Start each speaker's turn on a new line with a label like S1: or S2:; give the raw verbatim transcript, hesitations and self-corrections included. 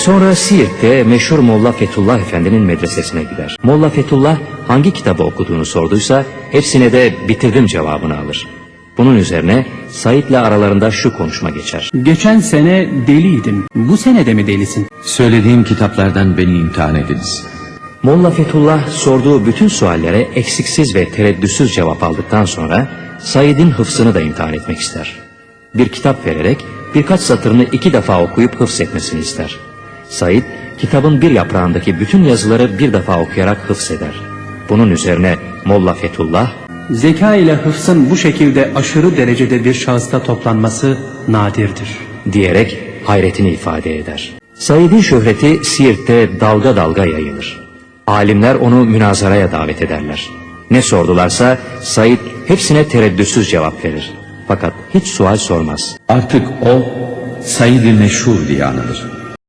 S1: Sonra Siirt'te meşhur Molla Fethullah Efendi'nin medresesine gider. Molla Fethullah hangi kitabı okuduğunu sorduysa hepsine de bitirdim cevabını alır. Bunun üzerine Said'le aralarında şu konuşma geçer.
S2: Geçen sene deliydim. Bu sene de mi delisin?
S3: Söylediğim kitaplardan beni imtihan ediniz.
S1: Molla Fethullah sorduğu bütün suallere eksiksiz ve tereddütsüz cevap aldıktan sonra Said'in hıfzını da imtihan etmek ister. Bir kitap vererek birkaç satırını iki defa okuyup hıfz etmesini ister. Said, kitabın bir yaprağındaki bütün yazıları bir defa okuyarak hıfz eder. Bunun üzerine Molla Fethullah,
S2: Zeka ile hıfzın bu şekilde aşırı derecede bir şahısta toplanması nadirdir
S1: diyerek hayretini ifade eder. Said'in şöhreti Siirt'te dalga dalga yayılır. Alimler onu münazaraya davet ederler. Ne sordularsa Said hepsine tereddütsüz cevap verir. Fakat hiç sual sormaz.
S3: Artık o Said-i Meşhur diye anılır.